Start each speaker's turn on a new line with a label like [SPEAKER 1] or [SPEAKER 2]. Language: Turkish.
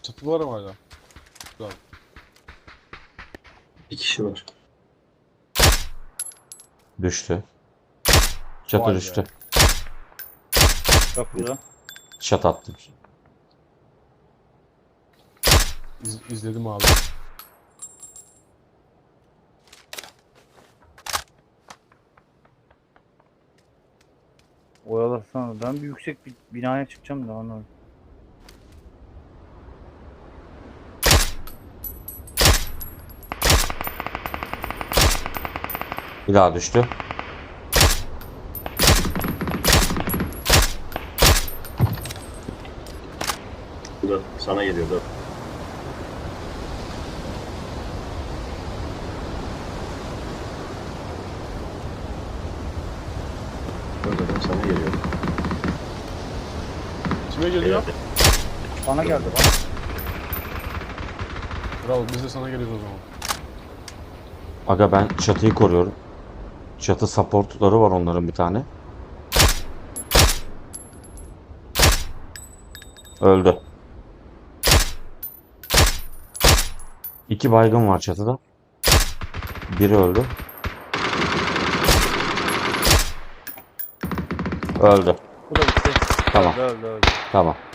[SPEAKER 1] Çatı var ama hala. Güzel.
[SPEAKER 2] Bir kişi var.
[SPEAKER 3] Düştü. Çatı
[SPEAKER 1] Vay be.
[SPEAKER 3] düştü.
[SPEAKER 4] Çok güzel.
[SPEAKER 3] Çat attım.
[SPEAKER 1] İzledim abi.
[SPEAKER 4] Oyalasana. Ben bir yüksek bir binaya çıkacağım da onu.
[SPEAKER 3] Bir daha düştü.
[SPEAKER 2] Burada sana geliyor da. Burada sana geliyor.
[SPEAKER 1] Kime geliyor?
[SPEAKER 4] Bana geldi bana.
[SPEAKER 1] Bravo, biz de sana geliyoruz o zaman.
[SPEAKER 3] Aga ben çatıyı koruyorum. Çatı supportları var onların bir tane. Öldü. 2 baygın var çatıda. Biri öldü. Öldü.
[SPEAKER 4] Bu da bitti.
[SPEAKER 3] Tamam.
[SPEAKER 4] Öldü.
[SPEAKER 3] Tamam.